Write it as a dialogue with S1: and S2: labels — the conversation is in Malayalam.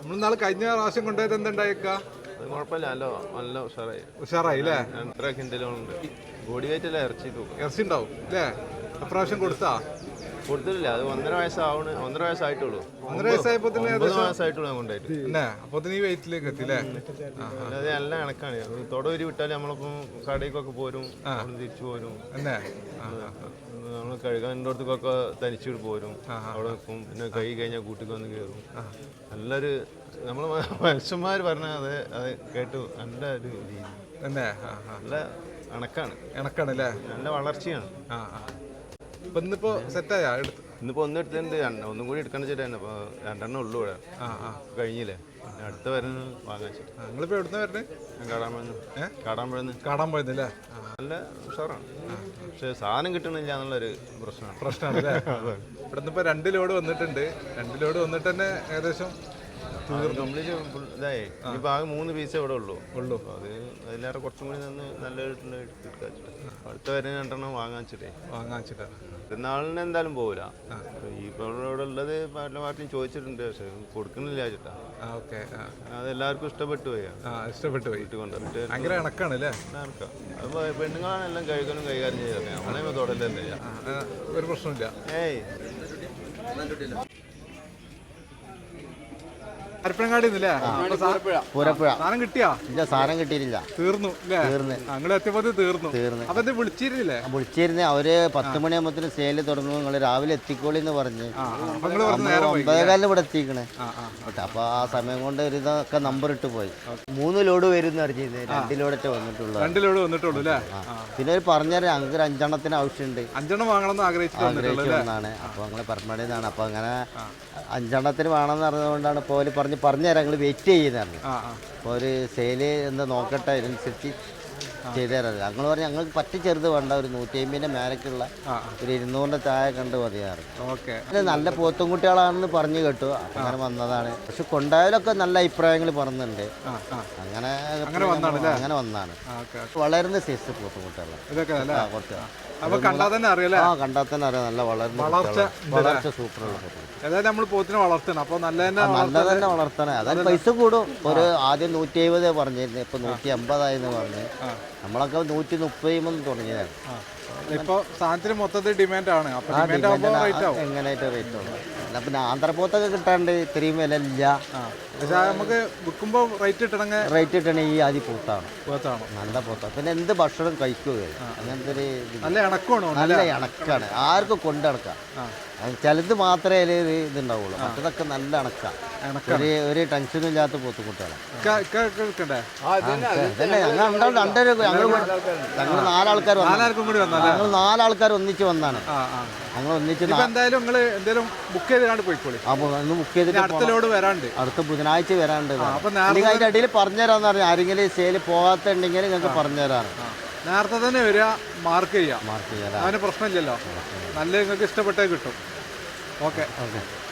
S1: നമ്മൾ നാളെ കഴിഞ്ഞ പ്രാവശ്യം കൊണ്ടുപോയത് എന്തുണ്ടായേക്കാ?
S2: കുഴപ്പമില്ല, നല്ല ഉഷാറായി.
S1: ഉഷാറായി അല്ലേ?
S2: 2.5 കിൻഡലുണ്ട്. ബോഡി വെയിറ്റ് അല്ല, ഇറച്ചി തൂക്കം.
S1: ഇറച്ചി ഉണ്ടാവും അല്ലേ? എപ്രാവശ്യം കൊടുത്താ?
S2: കൊടുത്തിട്ടില്ല, അത് 1.5 വയസ്സായിട്ടുള്ളൂ.
S1: 1.5 വയസ്സായപ്പോ
S2: 9 മാസമായിട്ടുള്ളൂ ഞാൻ കൊണ്ടായിട്ട്.
S1: പിന്നെ അപ്പൊ ഈ വെയിറ്റിലേക്ക് എത്തില്ലേ?
S2: അത് നല്ല കണക്കാണ്. തൊടൂരി വിട്ടാൽ നമ്മളിപ്പം കടയിലേക്കൊക്കെ പോരും, തിരിച്ചു പോരും. നമ്മൾ കഴുകാനോടത്തേക്കൊക്കെ തനിച്ചിട്ട് പോരും, അവിടെ നിൽക്കും. പിന്നെ കൈ കഴിഞ്ഞാൽ കൂട്ടിക്ക് വന്ന് കയറും. നല്ലൊരു നമ്മൾ മനുഷ്യന്മാർ പറഞ്ഞാൽ അത് കേട്ടു നല്ല ഒരു രീതി. നല്ല ഇണക്കാണ് അല്ലേ? നല്ല വളർച്ചയാണ്.
S1: ഇന്നിപ്പോ സെറ്റായാ?
S2: ഇന്നിപ്പോ എടുത്തിട്ടുണ്ട്, ഒന്നും കൂടി എടുക്കണം ചേട്ടാ. അപ്പൊ 2 ഉള്ളൂ ഇവിടെ, കഴിഞ്ഞില്ലേ? അടുത്ത വരുന്ന വാങ്ങാൻ.
S1: നിങ്ങളിപ്പോ എവിടുന്ന വരണേ? കാടാമ്പഴന്നല്ലേ?
S2: നല്ല ഉഷാറാണ്, പക്ഷെ സാധനം കിട്ടണില്ല എന്നുള്ളൊരു
S1: പ്രശ്നമാണ് അല്ലേ? ഇവിടുന്ന് ഇപ്പൊ 2 ലോഡ് വന്നിട്ടുണ്ട്. 2 ലോഡ് വന്നിട്ട് തന്നെ ഏകദേശം
S2: കംപ്ലീറ്റ് ഇതായി. ഇനിയിപ്പോൾ ആകെ 3 പീസേ ഇവിടെ ഉള്ളൂ. അത് അതിലേറെ കുറച്ചും കൂടി നിന്ന് നല്ല അടുത്ത വരെ 2 വാങ്ങാൻ വെച്ചിട്ടേ. പെരുന്നാളിന് എന്തായാലും പോകില്ല. ഇപ്പോൾ ഇവിടെ ഉള്ളത് പല പാർട്ടിയും ചോദിച്ചിട്ടുണ്ട്, പക്ഷെ കൊടുക്കുന്നില്ല ചേട്ടാ. അതെല്ലാവർക്കും ഇഷ്ടപ്പെട്ടു പോയി.
S1: വീട്ടിൽ
S2: കൊണ്ടുവന്നിട്ട്
S1: ഭയങ്കര ഇണക്കാണല്ലേ?
S2: അപ്പോൾ പെണ്ണുങ്ങളാണ് എല്ലാം കഴുകാനും കൈകാര്യം ചെയ്തത്. നമ്മളെ തൊടല്ലേ,
S1: ഒരു പ്രശ്നമില്ല. അരപ്പനങ്ങാടി സാധനം കിട്ടിയാ?
S3: ഇല്ല, സാധനം കിട്ടിയിട്ടില്ല,
S1: തീർന്നു. ഞങ്ങൾ എത്തിയപ്പോ തീർന്നു. അപ്പൊ ഇത് വിളിച്ചിരുന്നില്ലേ?
S3: അവര് 10 മണിയാകുമ്പത്തിന് സെയില് തുടങ്ങും, നിങ്ങൾ രാവിലെ എത്തിക്കോളി എന്ന് പറഞ്ഞ് 9:15 ഇവിടെ എത്തിക്കണേ. അപ്പൊ ആ സമയം കൊണ്ട് ഒരു ഇതൊക്കെ നമ്പർ ഇട്ട് പോയി. 3 ലോഡ് വരും അറിഞ്ഞത്, 2 ലോഡൊക്കെ വന്നിട്ടുള്ളൂ.
S1: 2 ലോഡ് വന്നിട്ടുള്ളൂ അല്ലേ?
S3: പിന്നെ ഒരു പറഞ്ഞാൽ ഞങ്ങൾക്ക് 5 എണ്ണത്തിന് ആവശ്യമുണ്ട്.
S1: 5 എണ്ണം വാങ്ങണമെന്ന് ആഗ്രഹിച്ചതാണ്.
S3: അപ്പൊ ഞങ്ങള് പരമാവധിയാണ്. അപ്പൊ അങ്ങനെ 5 എണ്ണത്തിന് വേണമെന്ന് അറിഞ്ഞതുകൊണ്ടാണ് ഇപ്പോൾ പറഞ്ഞുതരാം, ഞങ്ങൾ വെയിറ്റ് ചെയ്യുന്നതാണ്. അപ്പോൾ ഒരു സെയില് എന്താ നോക്കട്ടെ, അതിനനുസരിച്ച് ചെയ്തു തരാറ്. ഞങ്ങൾ പറഞ്ഞാൽ ഞങ്ങൾക്ക് പറ്റി ചെറുത് വേണ്ട, ഒരു 150ന്റെ മേലേക്കുള്ള ഒരു 200ന്റെ താഴെ കണ്ട് മതിയാറ്. നല്ല പോത്തും കുട്ടികളാണെന്ന് പറഞ്ഞു കേട്ടു, അങ്ങനെ വന്നതാണ്. പക്ഷെ കൊണ്ടായാലൊക്കെ നല്ല അഭിപ്രായങ്ങൾ പറഞ്ഞിട്ടുണ്ട്. അങ്ങനെ വന്നാണ് വളരുന്ന സൈസ് പോത്തും കുട്ടികളാണ്. കുറച്ച്
S1: കണ്ടാൽ തന്നെ അറിയാം,
S3: നല്ല വളർച്ച സൂപ്പറുള്ള പോത്തും.
S1: നല്ല
S3: തന്നെ വളർത്തണേ. അതായത് പൈസ കൂടും. ഒരു ആദ്യം 170 പറഞ്ഞിരുന്നു, ഇപ്പൊ 150 പറഞ്ഞ്. നമ്മളൊക്കെ 130 തുടങ്ങിയതാണ്.
S1: ഇപ്പൊ സാധനത്തിന് മൊത്തത്തിൽ ഡിമാൻഡാണ്.
S3: എങ്ങനെയായിട്ട് റേറ്റ് ഉണ്ട്. പിന്നെ ആന്ധ്രപോത്തൊക്കെ കിട്ടാണ്ട് ഇത്രയും വില ഇല്ല.
S1: നമുക്ക് വിൽക്കുമ്പോ റേറ്റ് കിട്ടണ
S3: ഈ ആദ്യം പോത്താണ് നല്ല പോത്താണ്. പിന്നെ എന്ത് ഭക്ഷണം കഴിക്കുകയാണ്, അങ്ങനത്തെ ഒരു നല്ല ഇണക്കാണ്. ആർക്കും കൊണ്ടിണക്കാം. ചിലത് മാത്രമേ ഇതുണ്ടാവുള്ളൂ, മറ്റതൊക്കെ നല്ല ഇണക്കാം. ഒരു ടെൻഷനും ഇല്ലാത്ത പോത്തുകുട്ടികളാണ്. ഞങ്ങൾ 4 ആൾക്കാർ ഒന്നിച്ച് വന്നാണ്. ഞങ്ങൾ ഒന്നിച്ച്
S1: ബുക്ക് ചെയ്തിട്ട്
S3: അടുത്ത ബുധനാഴ്ച വരാണ്ട്. അതിന്റെ അടിയിൽ പറഞ്ഞുതരാന്ന് പറഞ്ഞു. ആരെങ്കിലും സെയിൽ പോകാത്തുണ്ടെങ്കിൽ നിങ്ങൾക്ക് പറഞ്ഞുതരാണ്.
S1: നേരത്തെ തന്നെ വരിക, മാർക്ക് ചെയ്യാം. അതിന് പ്രശ്നമില്ലല്ലോ. നല്ല നിങ്ങൾക്ക് ഇഷ്ടപ്പെട്ടേ കിട്ടും. ഓക്കെ.